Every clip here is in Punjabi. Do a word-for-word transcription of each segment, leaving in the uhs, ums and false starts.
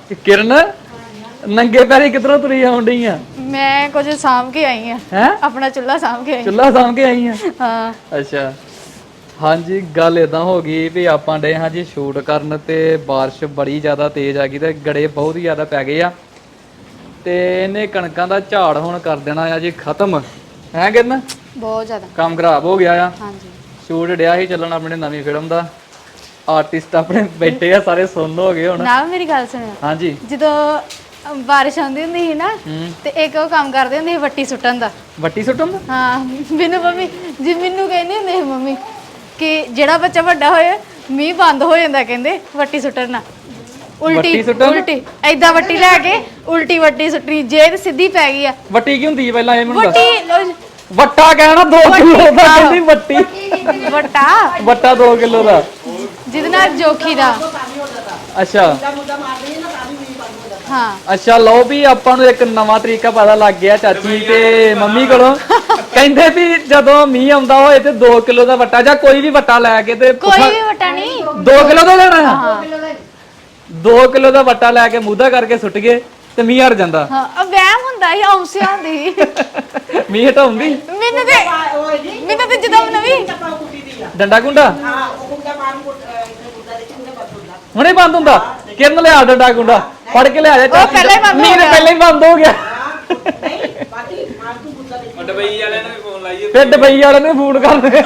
किरण नंगे पैरी किधरों तुरी आउं डई आ? मैं कुछ साम के आई हाँ हैं अपना चुल्हा साम के आई चुल्हा साम के आई आ? हाँ ਅੱਛਾ ਹਾਂਜੀ ਗੱਲ ਇਦਾਂ ਹੋ ਗਈ ਵੀ ਆਪਾਂ ਡੇ ਹਾਂ ਜੀ ਸ਼ੂਟ ਕਰਨ ਤੇ ਬਾਰਿਸ਼ ਬੜੀ ਜ਼ਿਆਦਾ ਤੇਜ਼ ਆ ਗਈ ਤੇ ਗੜੇ ਬਹੁਤ ਹੀ ਜ਼ਿਆਦਾ ਪੈ ਗਏ ਆ ਤੇ ਇਹਨੇ ਕਣਕਾਂ ਦਾ ਝਾੜ ਹੁਣ ਕਰ ਦੇਣਾ ਆ ਜੀ ਖਤਮ ਹੈ ਕਿਰਨ बहुत ज्यादा ਕੰਮ ਖਰਾਬ ਹੋ ਗਿਆ ਆ हाँ जी ਸ਼ੂਟ ਡਿਆ ਸੀ ਚੱਲਣ ਆਪਣੇ ਨਵੀਂ ਫਿਲਮ ਦਾ ਆਰਟਿਸਟ ਆਪਣੇ ਬੈਠੇ ਆ ਸਾਰੇ ਸੁੰਨ ਹੋ ਗਏ ਹੁਣ ना मेरी गल सुनियो ਹਾਂਜੀ ਜਦੋਂ ਬਾਰਿਸ਼ ਆਉਂਦੀ ਹੁੰਦੀ ਸੀ ਨਾ ਤੇ ਇੱਕ ਉਹ ਕੰਮ ਕਰਦੇ ਹੁੰਦੇ ਸੀ ਵੱਟੀ ਸੁੱਟਣ ਦਾ ਵੱਟੀ ਸੁੱਟਣ ਦਾ ਹਾਂ ਮੈਨੂੰ ਮੰਮੀ ਜੀ ਮੈਨੂੰ ਕਹਿੰਦੇ ਹੁੰਦੇ ਸੀ ਮੰਮੀ ਕਿ ਜਿਹੜਾ ਬੱਚਾ ਵੱਡਾ ਹੋਏ ਮੀਂਹ ਬੰਦ ਹੋ ਜਾਂਦਾ ਕਹਿੰਦੇ ਵੱਟੀ ਸੁੱਟਣ ਨਾਲ ਉਲਟੀ ਵੱਟੀ ਸੁੱਟਣ? ਉਲਟੀ ਐਦਾਂ ਵੱਟੀ ਲੈ ਕੇ ਉਲਟੀ ਵੱਟੀ ਸੁੱਟਣੀ ਜੇ ਤੇ ਸਿੱਧੀ ਪੈ ਗਈ ਆ ਵੱਟੀ ਕੀ ਹੁੰਦੀ ਹੈ ਪਹਿਲਾਂ ਇਹ ਮੈਨੂੰ ਦੱਸ ਵੱਟੀ ਵੱਟਾ ਕਹਿਣਾ ਦੋ ਕਿਲੋ ਦਾ ਕਹਿੰਦੀ ਵੱਟੀ ਉਹ ਵੱਟਾ ਵੱਟਾ ਦੋ ਕਿਲੋ ਦਾ ਜਿਹਦੇ ਨਾਲ ਜੋਖੀ ਦਾ ਅੱਛਾ ਹਾਂ ਅੱਛਾ ਲਓ ਵੀ ਆਪਾਂ ਨੂੰ ਇੱਕ ਨਵਾਂ ਤਰੀਕਾ ਪਤਾ ਲੱਗ ਗਿਆ ਚਾਚੀ ਤੇ ਮੰਮੀ ਕੋਲੋਂ ਕਹਿੰਦੇ ਵੀ ਜਦੋਂ ਮੀਂਹ ਆਉਂਦਾ ਹੋਏ ਤੇ ਦੋ ਕਿਲੋ ਦਾ ਵੱਟਾ ਜਾਂ ਕੋਈ ਵੀ ਵੱਟਾ ਲੈ ਕੇ ਤੇ ਕੋਈ ਵੀ ਵੱਟਾ ਨਹੀਂ ਦੋ ਕਿਲੋ ਦਾ ਲੈਣਾ ਹੈ ਦੋ ਕਿਲੋ ਦਾ ਵੱਟਾ ਲੈ ਕੇ ਮੂਧਾ ਕਰਕੇ ਸੁੱਟ ਗਏ ਤੇ ਮੀਂਹ ਹਟ ਜਾਂਦਾ ਹਾਂ ਉਹ ਵਹਿਮ ਹੁੰਦਾ ਸੀ ਔਂਸਿਆ ਹੁੰਦੀ ਸੀ। ਮੀਂਹ ਹਟਾਉਂਦੀ ਮੈਨੂੰ ਤੇ ਮੈਨੂੰ ਤੇ ਜਦੋਂ ਨਵੀਂ ਡੰਡਾ ਗੁੰਡਾ ਹੁਣੇ ਬੰਦ ਹੁੰਦਾ ਕਿਰਨ ਲਿਆ ਡੰਡਾ ਗੁੰਡਾ ਫੜ ਕੇ ਲਿਆ ਜਾ ਚਾਚੀ ਪਹਿਲਾਂ ਹੀ ਬੰਦ ਮੀਂਹ ਹੋ ਤੇ ਗਿਆ। ਪਹਿਲਾਂ ਹੀ ਬੰਦ ਹੋ ਗਿਆ ਡਬਈ ਵਾਲਿਆਂ ਨੂੰ ਵੀ ਫੋਨ ਲਾਈਏ ਫਿਰ ਦੁਬਈ ਵਾਲੇ ਨੂੰ ਫੋਨ ਕਰਦੇ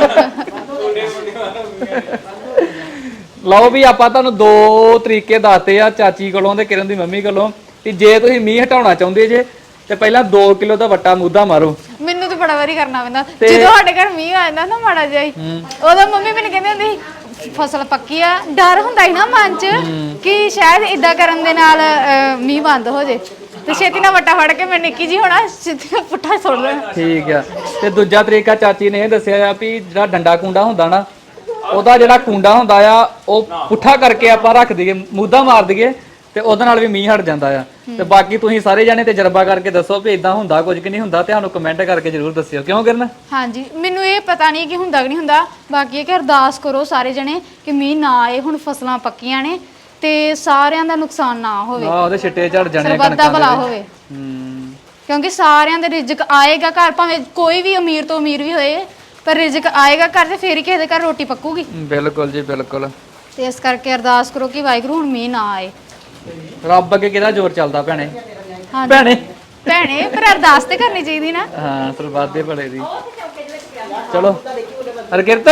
ਲਓ ਵੀ ਆਪਾਂ ਤੁਹਾਨੂੰ ਦੋ ਤਰੀਕੇ ਦੱਸਦੇ ਆ ਚਾਚੀ ਕੋਲੋਂ ਤੇ ਕਿਰਨ ਦੀ ਮੰਮੀ ਕੋਲੋਂ ਕਿ ਜੇ ਤੁਸੀਂ ਮੀਂਹ ਹਟਾਉਣਾ ਚਾਹੁੰਦੇ ਜੇ ਤੇ ਪਹਿਲਾਂ ਦੋ ਕਿਲੋ ਦਾ ਵੱਟਾ ਮੂਧਾ ਮਾਰੋ ਮੈਨੂੰ ਤਾਂ ਬੜਾ ਵਾਰੀ ਕਰਨਾ ਪੈਂਦਾ ਜਦੋਂ ਸਾਡੇ ਘਰ ਮੀਂਹ ਆ ਜਾਂਦਾ ਨਾ ਮਾੜਾ ਜਿਹਾ ਹੀ ਉਦੋਂ ਮੰਮੀ ਮੈਨੂੰ ਕਹਿੰਦੇ ਹੁੰਦੇ ਸੀ ਫਸਲ ਪੱਕੀ ਆ ਡਰ ਹੁੰਦਾ ਹੀ ਨਾ ਮਨ 'ਚ ਕਿ ਸ਼ਾਇਦ ਇਦਾਂ ਕਰਨ ਦੇ ਨਾਲ ਅਹ, ਮੀਂਹ ਬੰਦ ਹੋ ਜੇ ਤੇ ਛੇਤੀ ਨਾਲ ਵੱਟਾ ਫੜ ਕੇ ਮੈਂ ਨਿੱਕੀ ਜੀ ਹੋਣਾ ਛੇਤੀ ਨਾਲ ਪੁੱਠਾ ਸੁੱਟ ਲੈਣਾ ਠੀਕ ਆ ਤੇ ਦੂਜਾ ਤਰੀਕਾ ਚਾਚੀ ਨੇ ਇਹ ਦੱਸਿਆ ਆ ਵੀ ਜਿਹੜਾ ਡੰਡਾ ਕੁੰਡਾ ਹੁੰਦਾ ਨਾ ਉਹਦਾ ਜਿਹੜਾ ਕੁੰਡਾ ਹੁੰਦਾ ਆ ਉਹ ਪੁੱਠਾ ਕਰਕੇ ਆਪਾਂ ਰੱਖ ਦਈਏ ਮੂਧਾ ਮਾਰ ਦਈਏ ਤੇ ਉਹਦੇ ਨਾਲ ਵੀ ਮੀਂਹ ਹਟ ਜਾਂਦਾ ਆ ਤੇ ਬਾਕੀ ਤੁਸੀਂ ਸਾਰੇ ਜਾਣੇ ਤਜਰਬਾ ਕਰਕੇ ਦੱਸੋ ਵੀ ਇਦਾਂ ਹੁੰਦਾ ਕੁਝ ਕਿ ਨਹੀਂ ਹੁੰਦਾ ਤੇ ਸਾਨੂੰ ਕਮੈਂਟ ਕਰਕੇ ਜਰੂਰ ਦੱਸਿਓ ਕਿਉਂ ਕਰਨਾ ਹਾਂਜੀ ਮੈਨੂੰ ਇਹ ਪਤਾ ਨਹੀਂ ਕਿ ਹੁੰਦਾ ਕਿ ਨਹੀਂ ਹੁੰਦਾ ਬਾਕੀ ਇਹ ਕਿ ਅਰਦਾਸ ਕਰੋ ਸਾਰੇ ਜਣੇ ਕਿ ਮੀਂਹ ਨਾ ਆਏ ਹੁਣ ਫਸਲਾਂ ਪੱਕੀਆਂ ਨੇ ਤੇ ਸਾਰਿਆਂ ਦਾ ਨੁਕਸਾਨ ਨਾ ਹੋਵੇ ਆ ਉਹਦੇ ਛਿੱਟੇ ਝੜ ਜਾਣੇ ਸਰਬੱਤ ਦਾ ਭਲਾ ਹੋਵੇ ਹੂੰ ਕਿਉਂਕਿ ਸਾਰਿਆਂ ਦੇ ਰਿਜ਼ਕ ਆਏਗਾ ਘਰ ਭਾਵੇਂ ਕੋਈ ਵੀ ਅਮੀਰ ਤੋਂ ਅਮੀਰ ਵੀ ਹੋਏ ਪਰ ਰਿਜ਼ਕ ਆਏਗਾ ਘਰ ਤੇ ਫੇਰ ਹੀ ਕਿਸੇ ਦੇ ਘਰ ਰੋਟੀ ਪੱਕੂਗੀ ਬਿਲਕੁਲ ਜੀ ਬਿਲਕੁਲ ਤੇ ਇਸ ਕਰਕੇ ਅਰਦਾਸ ਕਰੋ ਕਿ ਵਾਹਿਗੁਰੂ ਹੁਣ ਮੀਂਹ ਨਾ ਆਏ ਰੱਬ ਅੱਗੇ ਕਿਹਦਾ ਜ਼ੋਰ ਚੱਲਦਾ ਭੈਣੇ ਹਾਂਜੀ ਭੈਣੇ ਭੈਣੇ ਪਰ ਅਰਦਾਸ ਤੇ ਕਰਨੀ ਚਾਹੀਦੀ ਨਾ ਹਾਂ ਸਰਬੱਤ ਦੇ ਭਲੇ ਦੀ ਚਲੋ ਹਰਕਿਰਤ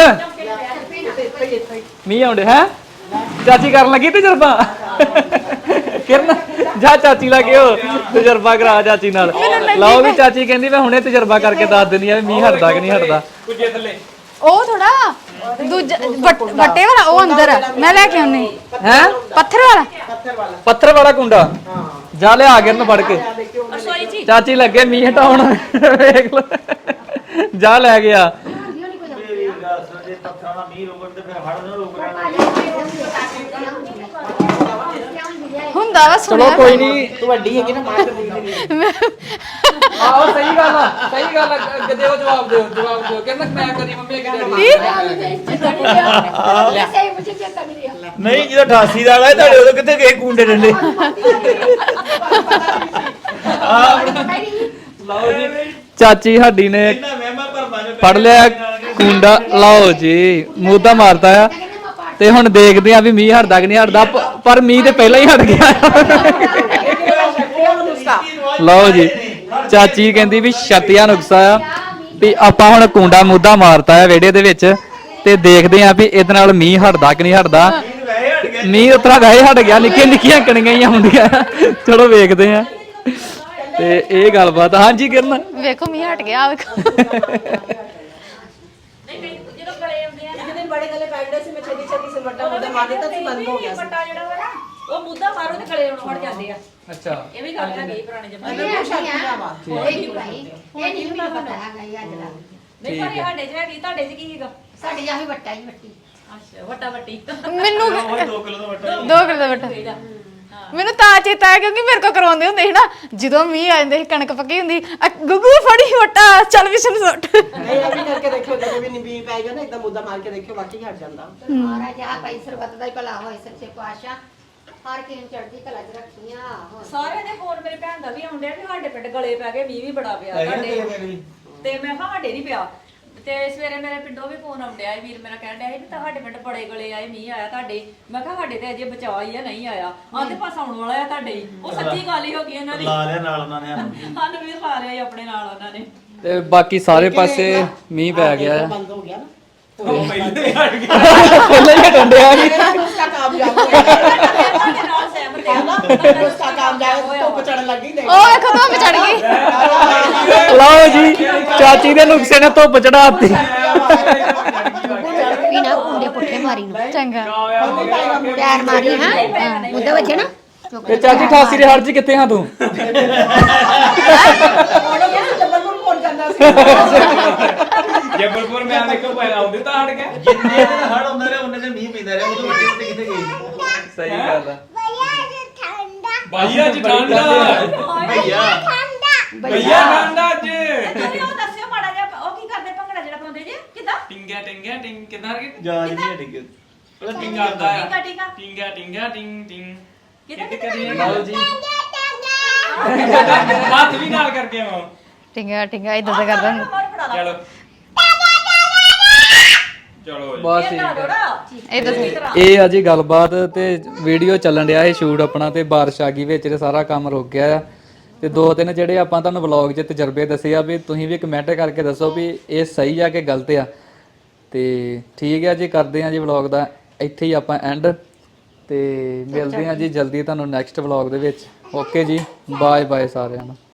ਮੀਂਹ ਆਉਂਦੇ ਹੈ ਚਾਚੀ ਕਰਨ ਲੱਗੀ ਤਜਰਬਾ ਕਿਰਨ ਜਾ ਚਾਚੀ ਲੱਗੇ ਹੋ ਤਜਰਬਾ ਕਰਾ ਚਾਚੀ ਨਾਲ ਲਓ ਵੀ ਚਾਚੀ ਕਹਿੰਦੀ ਮੈਂ ਹੁਣੇ ਤਜਰਬਾ ਕਰਕੇ ਦੱਸ ਦਿੰਦੀ ਆ ਵੀ ਮੀਂਹ ਹਟਦਾ ਕਿ ਨਹੀਂ ਹਟਦਾ ਕੁਝੇ ਥੱਲੇ ਉਹ ਥੋੜਾ ਦੂਜਾ ਵੱਟ- ਵੱਟੇ ਵਾਲਾ ਉਹ ਅੰਦਰ ਆ, ਮੈਂ ਲੈ ਕੇ ਆਉਣੀ ਹੈ ਪੱਥਰ ਵਾਲਾ ਪੱਥਰ ਵਾਲਾ ਕੁੰਡਾ ਜਾ ਲਿਆ ਗਿਰਨ ਫੜ ਕੇ ਚਾਚੀ ਲੱਗੇ ਮੀਂਹ ਹਟਾਉਣ ਵੇਖ ਲੋ ਜਾ ਲੈ ਗਿਆ ਹੁੰਦਾ ਵਾ ਚਲੋ ਸੁਣਿਆ ਕੋਈ ਨਹੀਂ ਤੂੰ ਵੱਡੀ ਹੈਗੀ ਨਾ ਮਾਰ ਕੇ ਆਹੋ ਸਹੀ ਗੱਲ ਆ ਸਹੀ ਗੱਲ ਆ ਅੱਗੇ ਦਿਓ ਜਵਾਬ ਦਿਓ ਜਵਾਬ ਦਿਓ ਕਹਿੰਦਾ ਮੈਂ ਕਰੀ ਮੰਮੀ ਅੱਗੇ ਡੈਡੀ ਨਹੀਂ ਜਦੋਂ ਅਠਾਸੀ ਦਾ ਆਇਆ ਤੁਹਾਡੇ ਉਦੋਂ ਕਿੱਥੇ ਗਏ ਕੁੰਡੇ ਡੰਡੇ ਲਓ ਜੀ ਚਾਚੀ ਸਾਡੀ ਨੇ ਨਾ ਮਹਿਮਾ ਭਰਮਾ ਨੇ ਫੜ ਲਿਆ ਕੁੰਡਾ ਲਓ ਜੀ ਮੂਧਾ ਮਾਰਤਾ ਆ ਤੇ ਹੁਣ ਦੇਖਦੇ ਆ ਵੀ ਮੀਂਹ ਹਟਦਾ ਕਿ ਨਹੀਂ ਹਟਦਾ ਪ- ਪਰ ਮੀਂਹ ਤੇ ਪਹਿਲਾਂ ਹੀ ਹਟ ਗਿਆ ਲਓ ਜੀ ਚਾਚੀ ਕਹਿੰਦੀ ਵੀ ਛਤਿਆ ਨੁਕਸਾ ਆ ਵੀ ਆਪਾਂ ਹੁਣ ਕੁੰਡਾ ਮੂਧਾ ਮਾਰਤਾ ਆ ਵਿਹੜੇ ਦੇ ਵਿੱਚ ਤੇ ਦੇਖਦੇ ਆ ਵੀ ਇਹਦੇ ਨਾਲ ਮੀਂਹ ਹਟਦਾ ਕਿ ਨਹੀਂ ਹਟਦਾ ਮੀਂਹ ਉਤਰਾ ਵੈਸੇ ਹਟ ਗਿਆ ਨਿੱਕੀਆਂ ਨਿੱਕੀਆਂ ਕਣੀਆਂ ਹੀ ਹੁੰਦੀਆਂ ਚਲੋ ਵੇਖਦੇ ਆ ਤੇ ਇਹ ਗੱਲਬਾਤ ਹਾਂਜੀ ਕਿਰਨ ਵੇਖੋ ਮੀਂਹ ਹਟ ਗਿਆ ਆ ਵੇਖੋ ਬੜੇ ਗਲੇ ਪੈਂਦੇ ਸੀ ਮੈਂ ਛੇਤੀ ਛੇਤੀ ਸੇ ਵੱਟਾ ਮੁੱਦਾ ਮਾਰ ਦਿੱਤਾ ਸੀ ਬੰਦ ਹੋ ਗਿਆ ਸੀ ਵੱਟਾ ਜਿਹੜਾ ਵਾ ਨਾ ਉਹ ਮੁੱਦਾ ਮਾਰੋ ਤੇ ਗਲੇ ਉੜ ਜਾਂਦੇ ਆ ਅੱਛਾ ਇਹ ਵੀ ਗੱਲ ਹੈਗੀ ਪੁਰਾਣੇ ਜ਼ਮਾਨੇ ਦੀ ਨਹੀਂ ਪਰ ਇਹ ਸਾਡੇ ਚ ਹੈਗੀ ਤੁਹਾਡੇ ਚ ਕੀ ਹੈਗਾ ਸਾਡੀ ਆਹੀ ਵੱਟਾ ਹੀ ਵੱਟੀ ਅੱਛਾ ਵੱਟਾ ਵੱਟੀ ਮੈਨੂੰ ਦੋ ਕਿਲੋ ਦਾ ਵੱਟਾ ਦੋ ਕਿਲੋ ਦਾ ਵੱਟਾ ਮੈਨੂੰ ਤਾਂ ਚੇਤਾ ਆਇਆ ਕਿਉਂਕਿ ਮੇਰੇ ਕੋ ਕਰਵਾਉਂਦੇ ਹੁੰਦੇ ਸੀ ਨਾ ਜਦੋਂ ਮੀਂਹ ਆ ਜਾਂਦੇ ਸੀ ਕਣਕ ਪੱਕੀ ਹੁੰਦੀ ਆ ਗੁੱਗੂ ਫੜੀ ਵੱਟਾ ਚੱਲ ਵੀ ਸੁੱਟ ਨਹੀਂ ਇਹ ਵੀ ਕਰਕੇ ਦੇਖਿਓ ਜਦੋਂ ਵੀ ਨਿੰਬੀ ਪੈ ਗਿਆ ਨਾ ਇਦਾਂ ਮੁੱਦਾ ਮਾਰ ਕੇ ਦੇਖਿਓ ਬਾਕੀ ਹਟ ਜਾਂਦਾ ਮਹਾਰਾਜ ਆ ਭਾਈ ਸਰਬੱਤ ਦਾ ਹੀ ਭਲਾ ਹੋਏ ਸੱਚੇ ਪਾਤਸ਼ਾਹ ਹਰ ਕਿਸੇ ਨੂੰ ਚੜ੍ਹਦੀ ਕਲਾ ਚ ਰੱਖੀਆਂ ਹੁਣ ਸਾਰਿਆਂ ਦੇ ਫੋਨ ਮੇਰੇ ਭੈਣ ਦਾ ਵੀ ਆਉਂਦੇ ਵੀ ਸਾਡੇ ਪਿੰਡ ਗਲੇ ਪੈ ਗਏ ਮੀਂਹ ਵੀ ਬੜਾ ਪਿਆ ਤੁਹਾਡੇ ਤੇ ਮੈਂ ਕਿਹਾ ਸਾਡੇ ਨਹੀਂ ਪਿਆ ਤੇ ਸਵੇਰੇ ਮੇਰੇ ਪਿੰਡੋਂ ਵੀ ਫੋਨ ਆਉਂਦਿਆ ਸੀ ਵੀਰ ਮੇਰਾ ਕਹਿਣ ਡਿਆ ਸੀ ਵੀ ਤੁਹਾਡੇ ਪਿੰਡ ਬੜੇ ਗਲੇ ਆਏ ਮੀਂਹ ਆਇਆ ਤੁਹਾਡੇ ਮੈਂ ਕਿਹਾ ਸਾਡੇ ਤੇ ਅਜੇ ਬਚਾਅ ਹੀ ਆ ਨਹੀਂ ਆਇਆ ਆਂਦੇ ਪਾਸ ਆਉਣ ਵਾਲਾ ਆ ਤੁਹਾਡੇ ਹੀ ਉਹ ਸੱਚੀ ਗੱਲ ਹੀ ਹੋ ਗਈ ਇਹਨਾਂ ਦੀ ਲਾ ਲਿਆ ਨਾਲ ਉਹਨਾਂ ਨੇ ਸਾਨੂੰ ਵੀ ਲਾ ਲਿਆ ਸੀ ਆਪਣੇ ਨਾਲ ਉਹਨਾਂ ਨੇ ਤੇ ਬਾਕੀ ਸਾਰੇ ਪਾਸੇ ਮੀਂਹ ਪੈ ਗਿਆ ਆ ਬੰਦ ਹੋ ਗਿਆ ਨਾ ਉਹ ਪਹਿਲੇ ਹੀ ਹਟ ਗਿਆ ਪਹਿਲਾਂ ਹੀ ਟੰਡਿਆ ਜੀ ਮੇਰਾ ਦੋਸਤਾ ਕਾਮਯਾਬ ਹੋ ਗਿਆ ਤੁਹਾਡੇ ਨਾਲ ਸਹਿਮਤ ਆ ਦੋਸਤਾ ਕਾਮਯਾਬ ਧੁੱਪ ਚੜਨ ਲੱਗੀ ਨਹੀਂ ਉਹ ਵੇਖੋ ਧੁੱਪ ਚੜ ਗਈ ਲਓ ਜੀ ਚਾਚੀ ਦੇ ਨੁਕਸੇ ਨੇ ਧੁੱਪ ਚੜਾਤੀ ਬਿਨਾ ਕੁੰਡੇ ਪੁੱਠੇ ਮਾਰੀ ਨੂੰ ਚੰਗਾ ਪਿਆਰ ਮਾਰੀ ਹਾਂ ਮੁੱਦਾ ਵੱਜੇ ਨਾ ਤੇ ਚਾਚੀ ਅਠਾਸੀ ਦੇ ਹੜ ਜੀ ਕਿੱਥੇ ਹਾਂ ਤੂੰ ਉਹਨੂੰ ਕਿਸੇ ਜਬਲਪੁਰ ਫੋਨ ਕਰਨਾ ਸੀ ਜਬਲਪੁਰ ਮੈਂ ਦੇਖੋ ਪਹਿਲਾਂ ਆਉਂਦੇ ਤਾਂ ਹਟ ਗਿਆ ਜਿੰਨੇ ਦਿਨ ਹੜ ਹੁੰਦਾ ਰਿਹਾ ਉਹਨੇ ਚ ਮੀਂਹ ਪੈਂਦਾ ਰਿਹਾ ਉਦੋਂ ਵੱਡੇ ਉੱਤੇ ਕਿੱਥੇ ਗਏ ਸਹੀ ਗੱਲ ਆ ਭਈਆ ਜੀ ਠੰਡਾ ਭਈਆ ਭਈਆ ਠੰਡਾ ਅੱਜ ਤੁਸੀਂ ਉਹ ਦੱਸਿਓ ਮਾੜਾ ਜਿਹਾ ਉਹ ਕੀ ਕਰਦੇ ਭੰਗੜਾ ਜਿਹੜਾ ਪਾਉਂਦੇ ਜੇ ਕਿਦਾਂ ਟਿੰਗਿਆ ਟਿੰਗਿਆ ਟਿੰਗ ਕਿਦਾਂ ਕਿ ਜਾ ਜੀ ਨਹੀਂ ਡਿੱਗੇ ਉਹਦਾ ਟਿੰਗ ਕਰਦਾ ਟਿੰਗਾ ਆ ਟਿੰਗਾ ਟਿੰਗਾ ਟਿੰਗਾ ਟਿੰਗ ਟਿੰਗ ਕਿਦਾਂ ਕਿਤੇ ਕਿਦਾਂ ਕਰੀਏ ਲਓ ਜੀ ਹੱਥ ਵੀ ਨਾਲ ਕਰਕੇ ਆਵਾਂ ਟਿੰਗਾ ਟਿੰਗਾ ਇਦਾਂ ਦਾ ਕਰਦਾ ਹੁੰਦਾ। ਚਲੋ ਚਲੋ ਜੀ ਬਸ ਠੀਕ ਆ ਇਦਾਂ ਦਾ ਇਹ ਆ ਜੀ ਗੱਲਬਾਤ ਤੇ ਵੀਡੀਓ ਚੱਲਣ ਡਿਆ ਇਹ ਸ਼ੂਟ ਆਪਣਾ ਤੇ ਬਾਰਿਸ਼ ਆ ਗਈ ਵਿੱਚ ਤੇ ਸਾਰਾ ਕੰਮ ਰੁਕ ਗਿਆ ਆ ਤੇ ਦੋ ਤਿੰਨ ਜਿਹੜੇ ਆਪਾਂ ਤੁਹਾਨੂੰ ਵਲੌਗ 'ਚ ਤਜਰਬੇ ਦੱਸੇ ਆ ਵੀ ਤੁਸੀਂ ਵੀ ਕਮੈਂਟ ਕਰਕੇ ਦੱਸੋ ਵੀ ਇਹ ਸਹੀ ਆ ਕਿ ਗਲਤ ਆ ਤੇ ਠੀਕ ਆ ਜੀ ਕਰਦੇ ਆ ਜੀ ਵਲੌਗ ਦਾ ਇੱਥੇ ਹੀ ਆਪਾਂ ਐਂਡ ਤੇ ਮਿਲਦੇ ਆ ਜੀ ਜਲਦੀ ਤੁਹਾਨੂੰ ਨੈਕਸਟ ਵਲੌਗ ਦੇ ਵਿੱਚ ਓਕੇ ਜੀ ਬਾਏ ਬਾਏ ਸਾਰਿਆਂ ਨੂੰ।